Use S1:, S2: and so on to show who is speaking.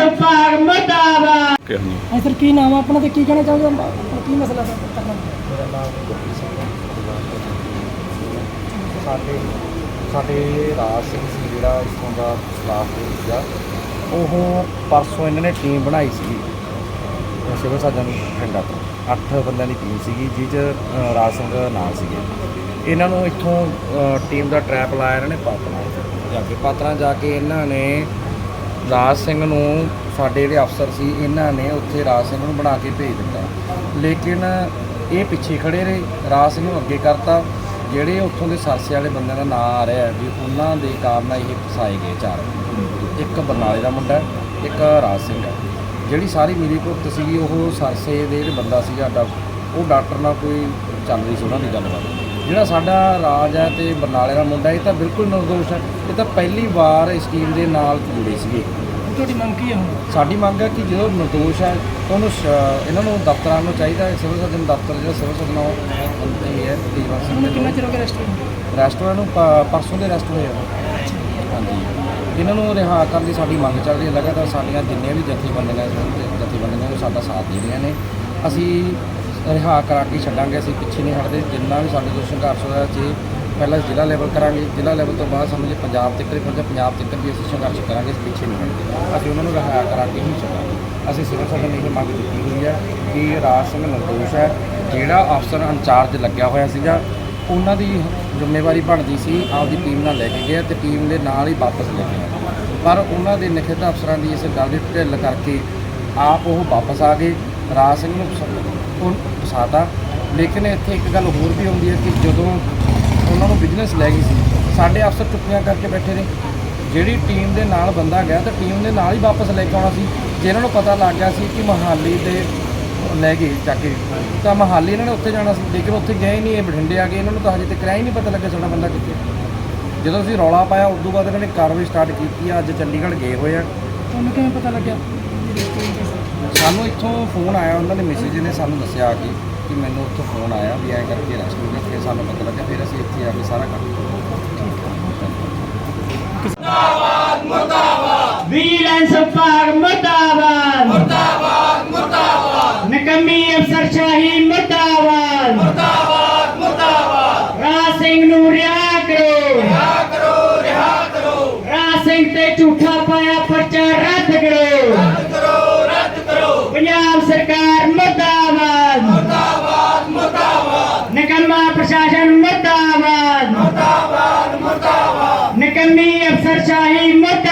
S1: विभाग मुर्दाबाद।
S2: सर की नाम है अपना, तो की कहना चाहोगे, अपना की मसला करना?
S3: मेरा नाम गुरप्रीत ਸਿੰਘ ਸਾਡੇ ਰਾਜ ਸਿੰਘ ਸੀ ਜਿਹੜਾ ਇੱਥੋਂ ਦਾ ਸਟਾਫ ਸੀਗਾ। ਉਹ ਪਰਸੋਂ ਇਹਨਾਂ ਨੇ ਟੀਮ ਬਣਾਈ ਸੀ ਸਿਵਲ ਸਰਜਨ ਬਠਿੰਡਾ ਤੋਂ, 8 ਬੰਦਿਆਂ ਦੀ ਟੀਮ ਸੀਗੀ, ਜਿਹ 'ਚ ਰਾਜ ਸਿੰਘ ਨਾਲ ਸੀਗੇ। ਇਹਨਾਂ ਨੂੰ ਇੱਥੋਂ ਟੀਮ ਦਾ ਟਰੈਪ ਲਾਇਆ ਇਹਨਾਂ ਨੇ ਪਾਤਰਾਂ ਜਾ ਕੇ ਇਹਨਾਂ ਨੇ ਰਾਜ ਸਿੰਘ ਨੂੰ, ਸਾਡੇ ਜਿਹੜੇ ਅਫਸਰ ਸੀ ਇਹਨਾਂ ਨੇ ਉੱਥੇ ਰਾਜ ਸਿੰਘ ਨੂੰ ਬਣਾ ਕੇ ਭੇਜ ਦਿੱਤਾ, ਲੇਕਿਨ ਇਹ ਪਿੱਛੇ ਖੜੇ ਰਹੇ। ਰਾਜ ਸਿੰਘ ਨੂੰ ਅੱਗੇ ਕਰਤਾ। ਜਿਹੜੇ ਉੱਥੋਂ ਦੇ ਸਰਸੇ ਵਾਲੇ ਬੰਦਿਆਂ ਦਾ ਨਾਂ ਆ ਰਿਹਾ ਵੀ ਉਹਨਾਂ ਦੇ ਕਾਰਨ ਇਹ ਫਸਾਏ ਗਏ 4, ਇੱਕ ਬਰਨਾਲੇ ਦਾ ਮੁੰਡਾ, ਇੱਕ ਰਾਜ ਸਿੰਘ ਹੈ। ਜਿਹੜੀ ਸਾਰੀ ਮਿਲੀ ਭੁਗਤ ਸੀਗੀ ਉਹ ਸਰਸੇ ਦੇ ਜਿਹੜੇ ਬੰਦਾ ਸੀਗਾ ਉਹ ਡਾਕਟਰ ਨਾਲ ਕੋਈ ਚੱਲ ਰਹੀ ਸੀ ਉਹਨਾਂ ਦੀ ਗੱਲਬਾਤ। ਜਿਹੜਾ ਸਾਡਾ ਰਾਜ ਹੈ ਤੇ ਬਰਨਾਲੇ ਦਾ ਮੁੰਡਾ ਇਹ ਤਾਂ ਬਿਲਕੁਲ ਨਿਰਦੋਸ਼ ਹੈ। ਇਹ ਤਾਂ ਪਹਿਲੀ ਵਾਰ ਇਸ ਸਕੀਮ ਦੇ ਨਾਲ ਜੁੜੇ ਸੀਗੇ।
S2: ਤੁਹਾਡੀ ਮੰਗ ਕੀ ਹੈ ਹੁਣ?
S3: ਸਾਡੀ ਮੰਗ ਹੈ ਕਿ ਜਦੋਂ ਨਿਰਦੋਸ਼ ਹੈ ਉਹਨੂੰ ਇਹਨਾਂ ਨੂੰ ਦਫ਼ਤਰਾਂ ਨੂੰ ਚਾਹੀਦਾ ਹੈ, ਸਿਵਲ ਸਰਜਨ ਦਫ਼ਤਰ ਜਿਹੜਾ ਸਿਵਲ ਸਰਜਨ ਇਹ ਹੈ ਤੇਜਵੰਤ ਸਿੰਘ ਦੇ
S2: ਕਿੰਨਾ ਚਿਰ ਹੋ ਗਿਆ
S3: ਰੈਸਟੋਰੈਂਟ ਨੂੰ ਪਰਸੋਂ ਦੇ ਅਰੈਸਟ ਹੋਏ ਆ। ਹਾਂਜੀ, ਇਹਨਾਂ ਨੂੰ ਰਿਹਾ ਕਰਨ ਦੀ ਸਾਡੀ ਮੰਗ ਚੱਲ ਰਹੀ ਹੈ। ਲਗਾਤਾਰ ਸਾਡੀਆਂ ਜਿੰਨੀਆਂ ਵੀ ਜਥੇਬੰਦੀਆਂ ਨੂੰ ਸਾਡਾ ਸਾਥ ਦੇ ਰਹੀਆਂ ਨੇ। ਅਸੀਂ ਰਿਹਾ ਕਰਾ ਕੇ ਛੱਡਾਂਗੇ, ਅਸੀਂ ਪਿੱਛੇ ਨਹੀਂ ਹਟਦੇ। ਜਿੰਨਾ ਵੀ ਸਾਡੇ ਤੋਂ ਸੰਘਰਸ਼ ਹੋਇਆ ਜੇ ਪਹਿਲਾਂ ਜ਼ਿਲ੍ਹਾ ਲੈਵਲ ਕਰਾਂਗੇ, ਜ਼ਿਲ੍ਹਾ ਲੈਵਲ ਤੋਂ ਬਾਅਦ ਸਮਝੇ ਪੰਜਾਬ ਤੱਕ ਪੰਜਾਬ ਤੱਕ ਵੀ ਅਸੀਂ ਸੰਘਰਸ਼ ਕਰਾਂਗੇ। ਅਸੀਂ ਪਿੱਛੇ ਨਹੀਂ ਹਟਦੇ, ਅਸੀਂ ਉਹਨਾਂ ਨੂੰ ਰਿਹਾ ਕਰਾ ਕੇ ਹੀ ਛੱਡਾਂਗੇ। ਅਸੀਂ ਸਿਵਲ ਸਰਜਨ ਨੇ ਇਹ ਮੰਗ ਦਿੱਤੀ ਹੋਈ ਹੈ ਕਿ ਰਾਜ ਸਿੰਘ ਨਿਰਦੋਸ਼ ਹੈ। ਜਿਹੜਾ ਅਫਸਰ ਇੰਚਾਰਜ ਲੱਗਿਆ ਹੋਇਆ ਸੀਗਾ ਉਹਨਾਂ ਦੀ ਜ਼ਿੰਮੇਵਾਰੀ ਬਣਦੀ ਸੀ ਆਪਦੀ ਟੀਮ ਨਾਲ ਲੈ ਕੇ ਗਿਆ ਤੇ ਟੀਮ ਦੇ ਨਾਲ ਹੀ ਵਾਪਸ ਲੈ ਕੇ ਆਇਆ, ਪਰ ਉਹਨਾਂ ਦੇ ਨਖਿੱਧ ਅਫਸਰਾਂ ਦੀ ਇਸ ਗੱਲ ਦੀ ਢਿੱਲ ਕਰਕੇ ਆਪ ਉਹ ਵਾਪਸ ਆ ਗਏ। ਰਾਜ ਸਿੰਘ ਨੂੰ ਫਸਾਤਾ। ਲੇਕਿਨ ਇੱਥੇ ਇੱਕ ਗੱਲ ਹੋਰ ਵੀ ਹੁੰਦੀ ਹੈ ਕਿ ਜਦੋਂ ਉਹਨਾਂ ਨੂੰ ਬਿਜ਼ਨਸ ਲੈ ਗਈ ਸੀ, ਸਾਡੇ ਅਫਸਰ ਚੁੱਕੀਆਂ ਕਰਕੇ ਬੈਠੇ ਨੇ। ਜਿਹੜੀ ਟੀਮ ਦੇ ਨਾਲ ਬੰਦਾ ਗਿਆ ਤਾਂ ਟੀਮ ਦੇ ਨਾਲ ਹੀ ਵਾਪਸ ਲੈ ਕੇ ਆਉਣਾ ਸੀ। ਜੇ ਇਹਨਾਂ ਨੂੰ ਪਤਾ ਲੱਗ ਗਿਆ ਸੀ ਕਿ ਮੋਹਾਲੀ ਦੇ ਲੈ ਗਏ ਚੱਕ ਕੇ ਤਾਂ ਮੋਹਾਲੀ ਇਹਨਾਂ ਨੇ ਉੱਥੇ ਜਾਣਾ ਸੀ, ਲੇਕਿਨ ਉੱਥੇ ਗਏ ਹੀ ਨਹੀਂ। ਇਹ ਬਠਿੰਡੇ ਆ ਗਏ। ਇਹਨਾਂ ਨੂੰ ਤਾਂ ਹਜੇ ਤੱਕ ਹੀ ਨਹੀਂ ਪਤਾ ਲੱਗਿਆ ਸਾਡਾ ਬੰਦਾ ਕਿੱਥੇ। ਜਦੋਂ ਅਸੀਂ ਰੌਲਾ ਪਾਇਆ ਉਸ ਤੋਂ ਬਾਅਦ ਇਹਨਾਂ ਨੇ ਕਾਰਵਾਈ ਸਟਾਰਟ ਕੀਤੀ ਆ। ਅੱਜ ਚੰਡੀਗੜ੍ਹ ਗਏ ਹੋਏ ਆ।
S2: ਤੁਹਾਨੂੰ ਕਿਵੇਂ ਪਤਾ ਲੱਗਿਆ?
S3: ਸਾਨੂੰ ਇੱਥੋਂ ਫੋਨ ਆਇਆ, ਉਹਨਾਂ ਦੇ ਮੈਸੇਜ ਨੇ ਸਾਨੂੰ ਦੱਸਿਆ ਕਿ ਮੈਨੂੰ ਉੱਥੋਂ ਫੋਨ ਆਇਆ ਵੀ ਐਂ ਕਰਕੇ ਅਰੈਸਟ ਹੋ ਗਿਆ। ਫਿਰ ਸਾਨੂੰ ਪਤਾ ਲੱਗਿਆ, ਫਿਰ ਅਸੀਂ ਇੱਥੇ ਆ ਕੇ ਸਾਰਾ ਕੰਮ
S1: मुर्दाबाद मुर्दाबाद, विजिलेंस विभाग मुर्दाबाद मुर्दाबाद मुर्दाबाद, निकम्मी अफसरशाही मुर्दाबाद मुर्दाबाद मुर्दाबाद। राज सिंह नूं रिहा करो, रिहा करो, रिहा करो। राज सिंह ते झूठा पाया पर्चा रद्द करो, रद्द करो, रद्द करो। पंजाब सरकार मुर्दाबाद मुर्दाबाद मुर्दाबाद, निकम्मा प्रशासन मुर्दाबाद मुर्दाबाद मुर्दाबाद, निकम्मी अफसरशाही मुर्दाबाद।